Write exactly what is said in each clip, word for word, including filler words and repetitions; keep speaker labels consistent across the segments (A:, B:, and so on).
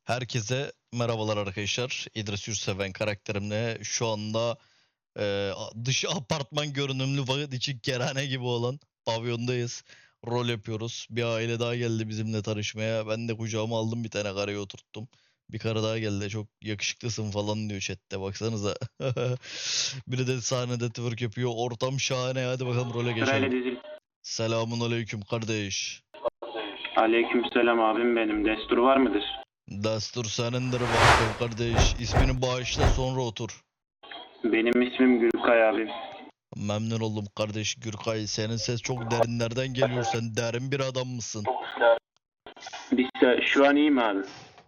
A: Herkese merhabalar arkadaşlar. İdris Yurtseven karakterimle şu anda e, dışı apartman görünümlü vakit için kerhane gibi olan pavyondayız. Rol yapıyoruz. Bir aile daha geldi bizimle tanışmaya. Ben de kucağıma aldım, bir tane karıyı oturttum. Bir karı daha geldi. Çok yakışıklısın falan diyor chatte. Baksanıza. Biri de sahnede twerk yapıyor. Ortam şahane. Hadi bakalım role geçelim.
B: Sırayla dizil.
A: Selamun aleyküm kardeş.
B: Aleykümselam abim benim. Destur var mıdır?
A: Destur senindir bakalım kardeş. İsmini bağışla sonra otur.
B: Benim ismim Gülkay abim.
A: Memnun oldum kardeş Gürkay. Senin ses çok derinlerden geliyor. Sen derin bir adam mısın?
B: Biz de şu an iyi mi abi?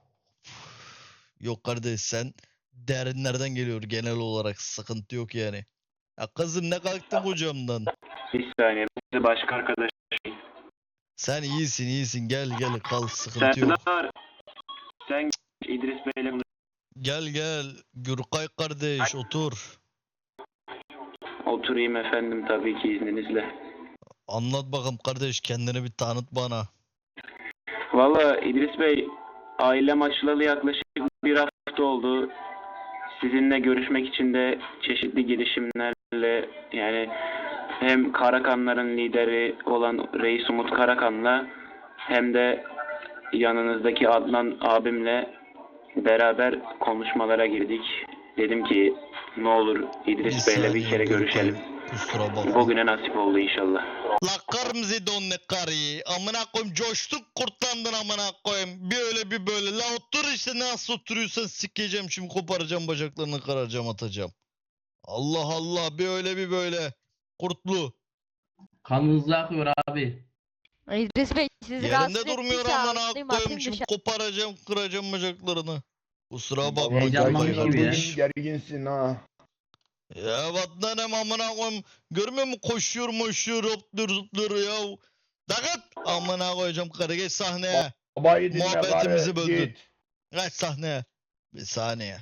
A: Yok kardeş, sen derinlerden geliyor genel olarak. Sıkıntı yok yani. Ya kızım, ne kalktın kocamdan?
B: Bir saniye. Bir de başka arkadaş.
A: Sen iyisin iyisin, gel gel kal, sıkıntı yok.
B: Serdar. Sen İdris Bey'le konuş.
A: Gel gel Gürkay kardeş, otur.
B: Oturayım efendim tabii ki izninizle.
A: Anlat bakalım kardeş, kendini bir tanıt bana.
B: Valla İdris Bey, ailem açılalı yaklaşık bir hafta oldu. Sizinle görüşmek için de çeşitli girişimlerle, yani hem Karakanların lideri olan Reis Umut Karakan'la hem de yanınızdaki Adnan abimle beraber konuşmalara girdik. Dedim ki ne olur İdris Bey'le bir
A: saniye
B: kere
A: Gürkay,
B: görüşelim.
A: kusura bakma.
B: Bugüne nasip oldu inşallah.
A: La kırmızı donlu karıyı. Amına koyayım, coştuk kurtlandın amına koyayım. Bir öyle bir böyle. La otur işte, nasıl oturuyorsan sikeceğim şimdi, koparacağım bacaklarını, kıracağım, atacağım. Allah Allah, bir öyle bir böyle. Kurtlu.
C: Kanınızı akıyor abi.
D: İdris Bey sizi
A: Yerinde
D: rahatsız
A: durmuyor
D: ettiyse
A: amına
D: alayım
A: koyayım
D: atayım
A: şimdi,
D: dışarı.
A: koparacağım, kıracağım bacaklarını. Kusura bakma
C: Vallahi Heyecanlanmış
A: Gürkay
C: gibi ya.
A: kardeş.
E: Gerginsin ha.
A: Ya vatlanım amına koyayım. Görmüyor musun, koşuyor moşuyor, hopluyor zıplıyor ya. Dakat amına koyacağım karı, geç sahneye.
E: Babayı dinle
A: Muhabbetimizi
E: bari,
A: böldün.
E: git.
A: Geç sahneye. Bir saniye.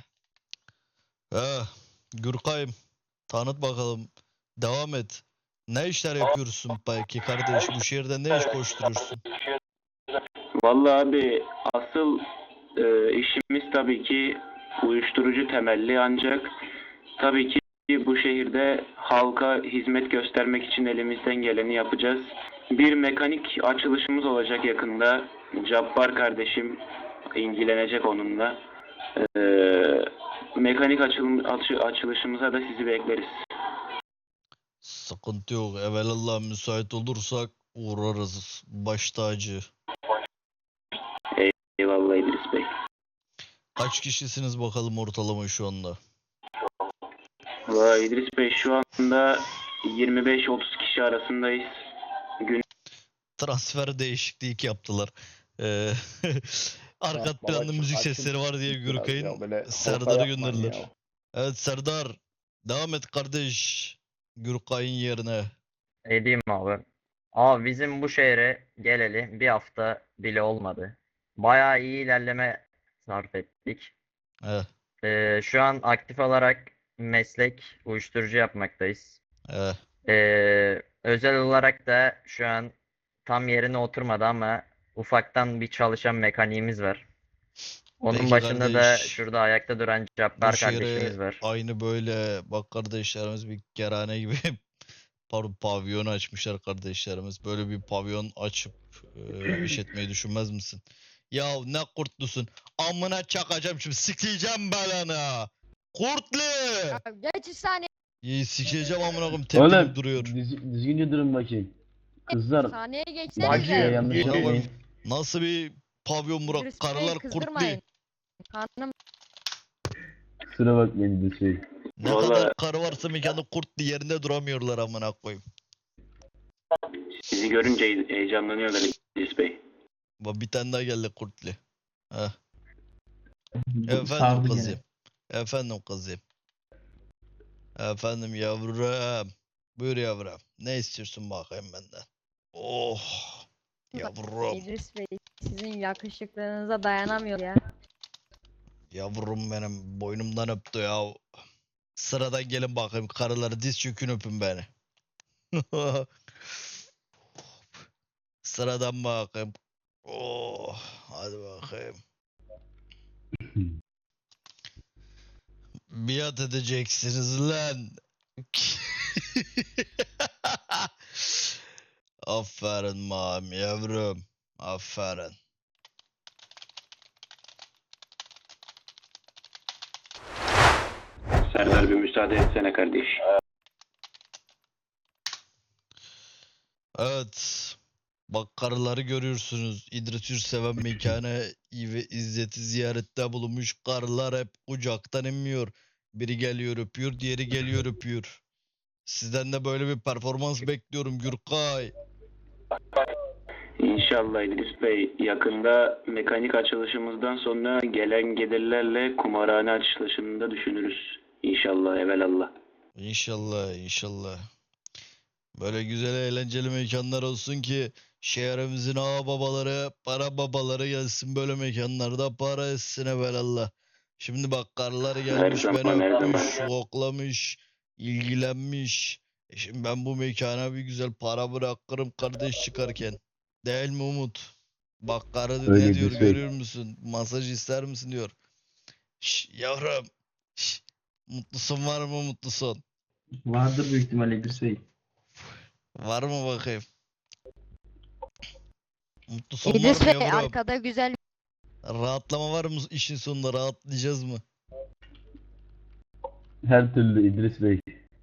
A: Eh, Gürkay'ım, tanıt bakalım. Devam et. Ne işler yapıyorsun peki kardeş? Bu şehirde ne iş koşturuyorsun?
B: Vallahi abi asıl e, işimiz tabii ki uyuşturucu temelli, ancak tabii ki bu şehirde halka hizmet göstermek için elimizden geleni yapacağız. Bir mekanik açılışımız olacak yakında. Cabbar kardeşim ilgilenecek onunla. E, mekanik açılım, açı, açılışımıza da sizi bekleriz.
A: Sıkıntı yok. Evelallah müsait olursak uğrarız. Baş tacı.
B: Eyvallah İdris Bey.
A: Kaç kişisiniz bakalım ortalama şu anda?
B: Vay İdris Bey, şu anda yirmi beş otuz kişi arasındayız. Gün
A: Transfer değişikliği yaptılar. Ee, arka
E: Ha,
A: planda
E: baba,
A: müzik
E: açın
A: sesleri var diye
E: biraz
A: Gürkay'ın
E: ya, böyle
A: Serdar'ı
E: orta yapmayın
A: gönderdiler.
E: ya.
A: Evet Serdar, devam et kardeş. Gürkay'ın yerine.
F: Edeyim abi. Abi bizim bu şehre geleli bir hafta bile olmadı. Bayağı iyi ilerleme sarf ettik.
A: Eh,
F: Ee, şu an aktif olarak meslek uyuşturucu yapmaktayız.
A: eh.
F: Ee, özel olarak da şu an tam yerine oturmadı ama ufaktan bir çalışan mekaniğimiz var. Onun
A: Peki
F: başında da
A: kardeş,
F: şurada ayakta duran
A: bu
F: Cabbar
A: şehre
F: kardeşimiz var.
A: aynı böyle bak kardeşlerimiz bir kerhane gibi pardon pavyon açmışlar kardeşlerimiz. Böyle bir pavyon açıp e, işletmeyi düşünmez misin? Ya ne kurtlusun. Amına çakacağım şimdi, sikleyeceğim belanı. Kurtlu.
D: Ya Geç üç saniye
A: İyi sikleyeceğim amına koyayım, tepkilip
C: Oğlum
A: duruyor.
C: düz, düzgünce durun bakayım. Kızlar
D: sahneye
E: Bacı,
D: geçsenize.
C: yanlış
E: git.
A: Ya bak,
C: yapmayın.
A: nasıl bir pavyon Burak?
D: İdris Bey'i
A: Karılar kurtlu.
D: kızdırmayın. Hanım
C: Kusura bakmayın bir şey.
A: Ne
B: Vallahi-
A: kadar karı varsa mekanda kurtlu, yerinde duramıyorlar amına koyayım.
B: Sizi görünce heyecanlanıyorlar İdris Bey.
A: Bak bir tane daha geldi kurtlu. Heh.
C: Sardı
A: Efendim
C: gene.
A: kızım. Efendim kızım. Efendim yavrum. Buyur yavrum. Ne istiyorsun bakayım benden? Oh. Yavrum.
D: İdris Bey sizin yakışıklılığınıza dayanamıyor ya.
A: Yavrum benim, boynumdan öptü ya. Sıradan gelin bakayım karıları, diz çökün öpün beni. Sıradan bakayım. Oh. Hadi bakayım. Biat edeceksiniz lan. Aferin mam yavrum. Aferin.
B: Serdar bir müsaade etsene kardeş.
A: Evet. Bak karıları görüyorsunuz. İdris Ürseven mekanı ve İzzet'i ziyarette bulunmuş. Karılar hep kucaktan inmiyor. Biri geliyor öpüyor, diğeri geliyor öpüyor. Sizden de böyle bir performans bekliyorum Gürkay.
B: İnşallah İdris Bey, yakında mekanik açılışımızdan sonra gelen gelirlerle kumarhane açılışını da düşünürüz. İnşallah, evelallah.
A: İnşallah, inşallah. Böyle güzel eğlenceli mekanlar olsun ki şehrimizin ağa babaları, para babaları gelsin böyle mekanlarda para etsin evvelallah. Şimdi bak karıları gelmiş
B: zaman,
A: beni
B: her
A: öpmüş,
B: zaman.
A: koklamış, ilgilenmiş. E şimdi ben bu mekana bir güzel para bırakırım kardeş çıkarken. Değil mi Umut? Bak karı
C: Öyle
A: ne diyor
C: bir şey.
A: görüyor musun? Masaj ister misin diyor. Şş, yavrum. Şş, mutlusun var mı mutlusun?
C: Vardır büyük ihtimalle İdris Bey.
A: Var mı bakayım? Mutlu son var
D: İdris
A: mı
D: Bey
A: yavrum?
D: arkada güzel
A: Rahatlama var mı işin sonunda? Rahatlayacağız mı?
C: Her türlü İdris Bey.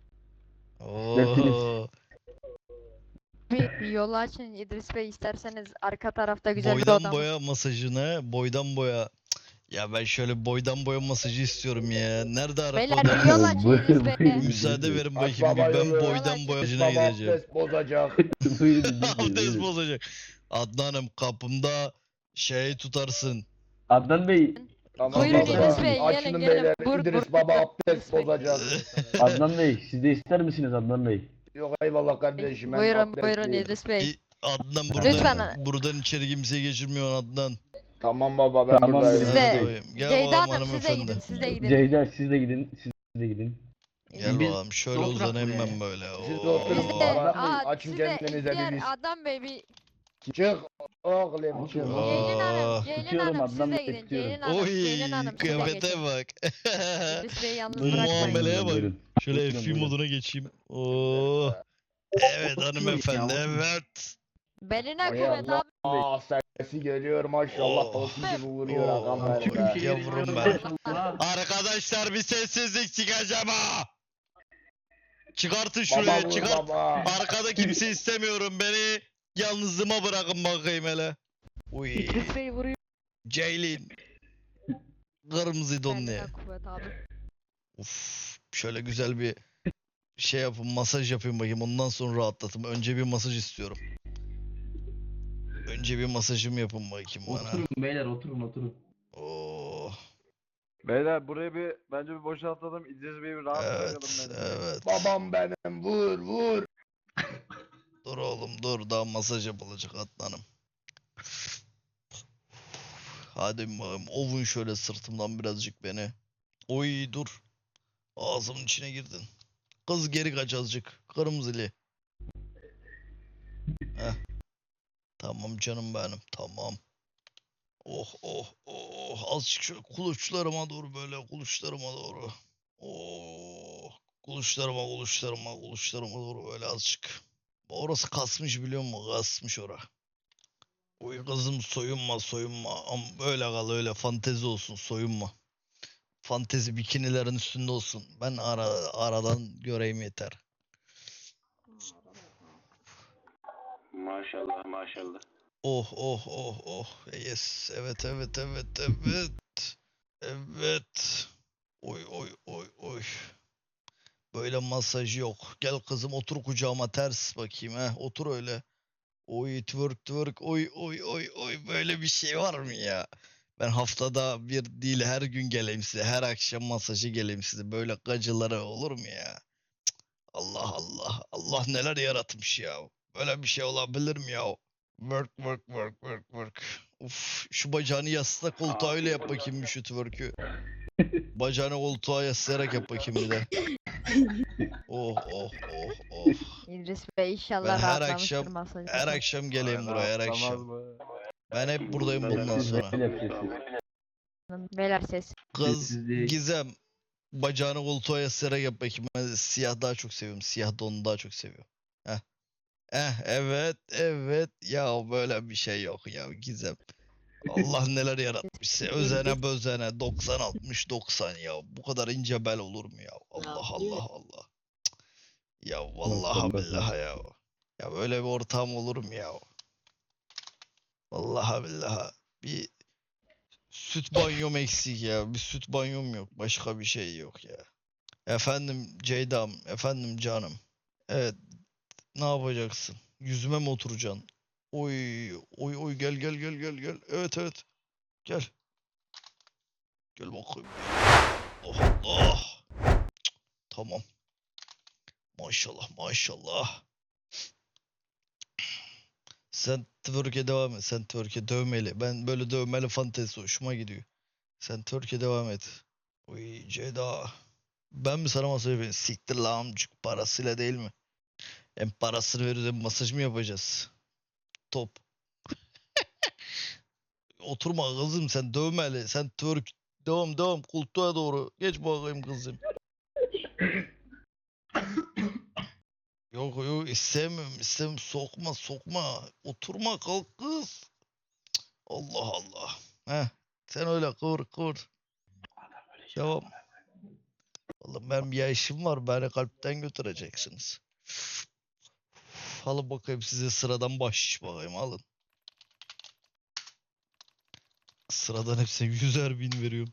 A: Oo.
D: bir, bir yolu açın İdris Bey isterseniz arka tarafta güzel bir
A: Boydan
D: odamız.
A: boya masajını, boydan boya. Cık, ya ben şöyle boydan boya masajı istiyorum ya. Nerede Arap
D: Beyler
A: odam?
D: bir yol açın
C: Buyurun,
D: İdris Bey.
C: buyurun.
A: Müsaade verin
E: Aç
A: bakayım bir
E: baba
A: ben
E: yolu.
A: boydan boya masajına
E: Baba
A: gideceğim.
E: abdest bozacak.
C: Buyurun İdris Bey.
A: Abdest
C: buyurun.
A: bozacak. Adnan'ım kapımda şey tutarsın.
C: Adnan Bey.
E: Tamam
D: Buyurun
E: baba.
C: İdris
D: Bey, gelin,
E: Açının
D: gelin.
E: beyler.
D: Bur-
E: İdris
D: bur-
E: baba abdest
D: İdris Bey.
E: bozacak.
C: Adnan Bey. Siz de ister misiniz Adnan Bey?
E: Yok eyvallah kardeşim. ben
D: Buyurun
E: abdestliyim.
D: buyurun İdris Bey.
A: İ- Adnan buradan,
D: Lütfen.
A: buradan içeri kimseyi geçirmiyor Adnan.
E: Tamam baba ben
C: Tamam,
E: buradayım.
C: Siz
D: de-
A: Hadi bakayım. Gel
D: Ceyda
A: bakalım
D: Hanım siz de
A: hanımefendi.
D: gidin siz de gidin.
C: Ceyda siz de gidin. Siz de gidin.
A: Gel
C: Biz
A: bakalım şöyle
C: oturak
A: uzanayım
C: buraya.
A: ben böyle.
E: Siz de
A: Oo.
E: oturun.
D: Biz de,
E: Adnan Bey,
D: aa,
E: açın
D: siz de
E: kendinize
D: diğer
E: bir-
D: Adnan Bey bir
E: Çık oğlum çık.
D: Ceylin
A: Aa.
D: Hanım, Ceylin
C: Tutuyorum
D: Hanım siz
C: Adnan
D: de
C: Bey,
D: gidin.
C: tutuyorum.
D: Ceylin Hanım,
A: Oy
D: Ceylin Hanım siz de
A: kıyafete
D: geçin.
A: bak.
D: İdris Bey'i yalnız
A: Bu
D: bırakmayın.
A: muameleye bak.
C: Buyurun.
A: Şöyle
C: Buyurun,
A: F B
C: buyurun.
A: moduna geçeyim. Oo. Evet hanımefendi evet.
D: Beline
E: Ay
D: kuvvet
E: Allah.
D: abi.
E: Aa sesi geliyor maşallah.
A: Oh.
E: Tosun gibi vuruyor
A: Oh.
E: ağam benim be.
A: Yavrum ben. Arkadaşlar bir sessizlik çıkacağım ha. Çıkartın
E: Baba
A: şurayı
E: vur
A: çıkart.
E: baba.
A: Arkada kimse istemiyorum beni. Yalnızlığıma bırakın bakayım hele. Uy.
D: İdris Bey vuruyor.
A: Ceylin. Kırmızı donlu.
D: Beline kuvvet abi.
A: Uf, şöyle güzel bir şey yapın, masaj yapayım bakayım. Ondan sonra rahatlatın. Önce bir masaj istiyorum. Önce bir masajımı yapın bakayım bana.
C: Oturun beyler oturun oturun.
A: Oo,
G: Beyler burayı bir bence bir boşaltalım. İdris Bey'i bir rahat bırakalım
A: evet,
G: bence.
A: evet.
E: Babam benim vur vur.
A: Dur oğlum dur, daha masaj yapılacak Adnan'ım. Hadi bakayım, ovun şöyle sırtımdan birazcık beni. Oy dur. Ağzımın içine girdin. Kız geri kaç azıcık. Kırmızılı. Heh. Tamam canım benim. Tamam. Oh oh oh. Azıcık şöyle kuluçlarıma doğru böyle kuluçlarıma doğru. Oh. Kuluçlarıma kuluçlarıma kuluçlarıma doğru böyle azıcık. Orası kasmış biliyor musun? Kasmış ora. Uy kızım soyunma soyunma. Ama böyle kal öyle fantezi olsun soyunma. Fantezi bikinilerin üstünde olsun. Ben ara, aradan göreyim yeter.
B: Maşallah maşallah.
A: Oh oh oh oh. Yes. Evet evet evet evet. Evet. Oy oy oy oy. Böyle masaj yok. Gel kızım otur kucağıma ters bakayım ha. Otur öyle. Oy twerk twerk oy oy oy oy böyle bir şey var mı ya? Ben haftada bir değil her gün geleyim size. Her akşam masajı geleyim size. Böyle gacılara olur mu ya? Cık, Allah Allah. Allah neler yaratmış ya. Böyle bir şey olabilir mi ya? Work work work work work. Uf şu bacağını yasla koltuğa öyle yap bakayım bir şu twerk'ü. Bacağını koltuğa yaslayarak yap bakayım bir de. Oh oh oh oh.
D: İdris Bey inşallah
A: Ben her
D: rahatlamıştır
A: akşam-
D: masajı.
A: Her akşam geleyim buraya her
G: Rahatlamaz
A: akşam.
G: mı?
A: Ben hep buradayım bundan
C: Sessiz
A: sonra.
C: beyler sessiz.
D: Beyler ses.
A: Kız
C: Sessizlik.
A: Gizem bacağını koltuğa yaslayarak yap bakayım. Ben siyah daha çok seviyorum. Siyah donu daha çok seviyorum. Heh. Eh evet evet ya böyle bir şey yok ya Gizem. Allah neler yaratmış. Özene bözene doksan altmış doksan ya. Bu kadar ince bel olur mu ya? Allah Allah Allah. Cık. Ya vallahi
C: Maşallah.
A: billahi ya. Ya böyle bir ortam olur mu ya? Vallahi billahi. Bir süt banyom eksik ya. Bir süt banyom yok. Başka bir şey yok ya. Efendim Ceyda'm. Efendim canım. Evet. Ne yapacaksın? Yüzüme mi oturacaksın? Oy, oy, oy gel gel gel gel gel. Evet evet. Gel. Gel bakayım. Oh Allah. Cık, tamam. Maşallah maşallah. Sen twerk'e devam et. Sen twerk'e dövmeli. Ben böyle dövmeli fantezi hoşuma gidiyor. Sen twerk'e devam et. Oy Ceyda. Ben mi sana masaj yapayım? Siktir lan amcık. Parasıyla değil mi? Hem parasını veriyoruz hem masaj mı yapacağız? Top. Oturma kızım sen dövmeli. Sen twerk. Devam devam koltuğa doğru. Geç bakayım kızım. Yok yok istemiyorum istemiyorum. Sokma sokma. Oturma kalk kız. Cık, Allah Allah. Heh. Sen öyle kıvır kıvır. Devam. Oğlum benim bir işim var. Beni kalpten götüreceksiniz. Alın bakayım size sıradan bahşiş bakayım alın. Sıradan hepsine yüzer bin veriyorum.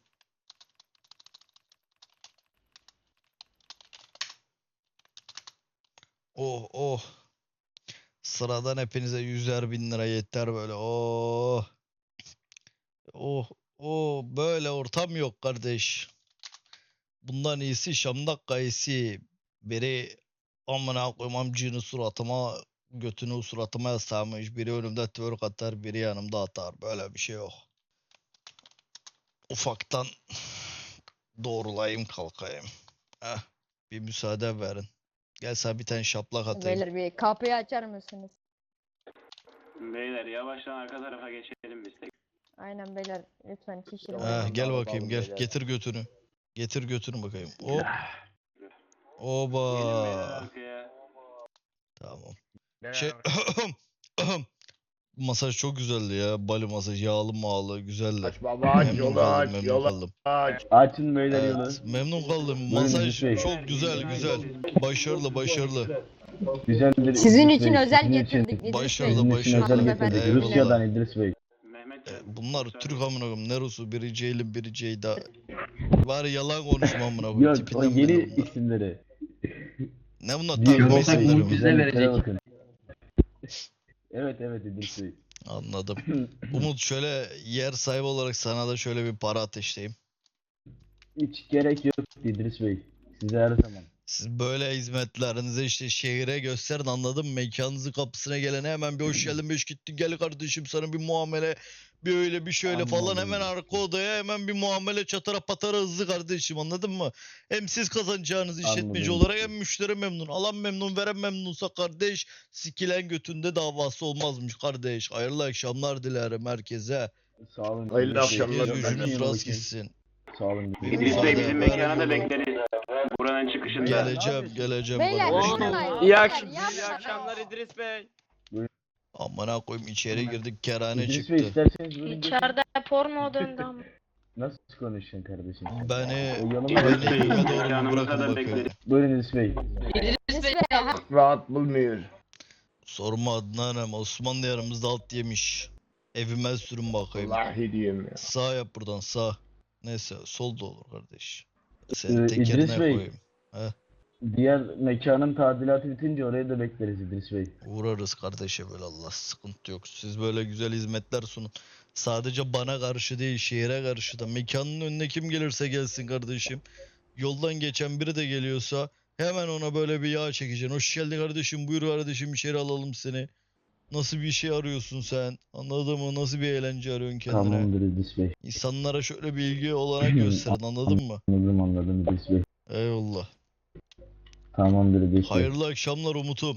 A: Oh oh. Sıradan hepinize yüzer bin lira yeter böyle. Oh. Oh. Oh. Böyle ortam yok kardeş. Bundan iyisi Şam'dak kayısı. Biri amına koyayım amcığını suratıma götünü suratıma yaslamış. Biri önümde twerk atar, biri yanımda atar. Böyle bir şey yok. Ufaktan doğrulayayım kalkayım. Heh, bir müsaade verin. Gel sana bir tane şaplak atayım.
D: Beyler bir kapıyı açar mısınız?
B: Beyler yavaştan arka tarafa geçelim biz de.
D: Aynen beyler lütfen şişirin.
A: Heh, gel
E: Alalım
A: bakayım gel.
E: beyler.
A: Getir götünü. Getir götünü bakayım. Hop.
B: Gelin beyler
A: Oba.
B: arkaya.
A: Tamam.
F: Beyler,
A: Şey masaj çok güzeldi ya. Bali masaj yağlı mağlı güzeldi.
E: Aç baba aç
A: Memnun
E: yolu
A: kaldım,
E: aç
A: memnun
E: yolu
A: kaldım.
E: aç.
C: Açın beyler yolu.
A: Evet, memnun kaldım.
C: Buyurun
A: Masaj
C: İdris Bey.
A: çok güzel güzel. Başarılı başarılı.
C: Güzeldir.
D: Sizin
C: İdris
D: için
C: Bey,
D: özel
C: sizin
D: getirdik
C: için-
D: İdris
A: Başarılı,
D: Bey.
C: Sizin için özel
A: başarılı.
C: getirdik.
A: Eyvallah.
C: Rusya'dan İdris Bey.
B: Mehmet
A: E,
B: Can,
A: bunlar
B: müsaade-
A: Türk amına koyayım. Ne Rus'u? Biri Ceylin, biri Ceyda. Bari yalan konuşma amına koyayım.
C: Yok o
A: Tipinden
C: yeni
A: belli bunlar.
C: isimleri.
A: Ne bunlar?
C: Bir
A: Takma
C: Volkan
A: isimleri
C: Umut
A: mi?
C: bize verecek. Bakın. Evet evet İdris Bey.
A: Anladım. Umut şöyle yer sahibi olarak sana da şöyle bir para ateşleyeyim.
C: Hiç gerek yok İdris Bey. Size her zaman.
A: Siz böyle hizmetlerinizi işte şehire gösterin anladın mı? Mekanınızın kapısına gelene hemen bir hoş geldin beş gittin gel kardeşim sana bir muamele bir öyle bir şöyle falan
C: Anladım.
A: hemen arka odaya hemen bir muamele çatara patara hızlı kardeşim anladın mı? Hem siz kazanacağınız işletmeci
C: Anladım.
A: olarak hem müşteri memnun. Alan memnun veren memnunsa kardeş sikilen götünde davası olmazmış kardeş. Hayırlı akşamlar dilerim herkese.
C: Sağ olun.
E: Hayırlı
C: İdris Bey.
E: akşamlar.
A: Herkes
E: Ben
A: gücünüz
C: de-
A: rast gitsin.
C: Sağ olun.
A: Bir
B: İdris Bey
A: müsaade,
B: bizim
A: ver
B: mekana da
A: yolu.
B: bekleriz. Buranın çıkışında.
A: Geleceğim geleceğim
D: Beyler
A: kardeşim.
D: yapmayın.
H: İyi
D: beyler,
H: akşam, iyi
D: yapmayın.
H: akşamlar İdris Bey.
A: Amına koyayım içeri girdik kerane
C: İdris
A: çıktı.
C: Bey isterseniz buyurun. geçin.
I: İçeride porno döndü ama.
C: Nasıl konuşuyorsun kardeşim?
A: Beni,
C: O yanıma
A: beni
B: İdris Bey,
A: evime doğru bir
B: mekanımıza
A: bırakın
B: da
A: bakıyorum.
B: bekleriz.
C: Buyurun İdris Bey.
D: İdris Bey, ha-
E: Rahat bulmuyor.
A: Sorma Adnan'ım Osmanlı yanımızda alt yemiş. Evime sürün bakayım.
E: Vallahi diyorum ya.
A: Sağ yap buradan sağ. Neyse sol da olur kardeş.
C: Ee,
A: Seni tek
C: İdris
A: yerine
C: Bey.
A: koyayım.
C: Diğer mekanın tadilatı bitince oraya da bekleriz İdris Bey.
A: Uğrarız kardeşe böyle Allah sıkıntı yok. Siz böyle güzel hizmetler sunun. Sadece bana karşı değil şehire karşı da. Mekanın önüne kim gelirse gelsin kardeşim. Yoldan geçen biri de geliyorsa hemen ona böyle bir yağ çekeceksin. Hoş geldin kardeşim buyur kardeşim içeri alalım seni. Nasıl bir şey arıyorsun sen? Anladın mı? Nasıl bir eğlence arıyorsun kendine?
C: Tamamdır İdris Bey.
A: İnsanlara şöyle bir ilgi olanak gösterin anladın mı?
C: Anladım anladım İdris Bey.
A: Eyvallah.
C: Tamamdır İdris Bey.
A: Hayırlı akşamlar Umut'um.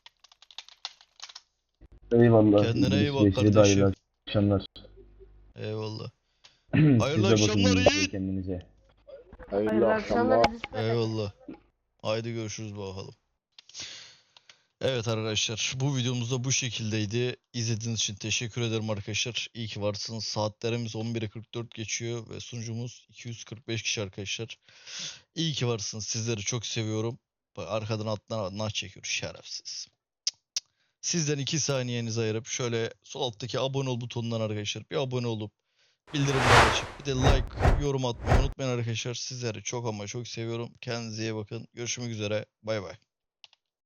C: Eyvallah.
A: Kendine
C: İdris
A: iyi bak
C: Bey, size de
A: kardeşim.
C: hayırlı akşamlar.
A: Eyvallah.
C: Siz de
A: Hayırlı
C: bakın
A: akşamlar
C: İdris Bey
A: Yiğit.
C: kendinize.
E: Hayırlı
H: Hayırlı
E: akşamlar.
H: akşamlar İdris Bey.
A: Eyvallah. Haydi görüşürüz bakalım. Evet arkadaşlar, bu videomuz da bu şekildeydi. İzlediğiniz için teşekkür ederim arkadaşlar. İyi ki varsınız. Saatlerimiz on bire kırk dört geçiyor ve sunucumuz iki yüz kırk beş kişi arkadaşlar. İyi ki varsınız. Sizleri çok seviyorum. Bak, arkadan alttan nah çekiyor şerefsiz. Sizden iki saniyenizi ayırıp şöyle sol alttaki abone ol butonundan arkadaşlar bir abone olup bildirimleri açıp bir de like, yorum atmayı unutmayın arkadaşlar. Sizleri çok ama çok seviyorum. Kendinize iyi bakın. Görüşmek üzere. Bay bay.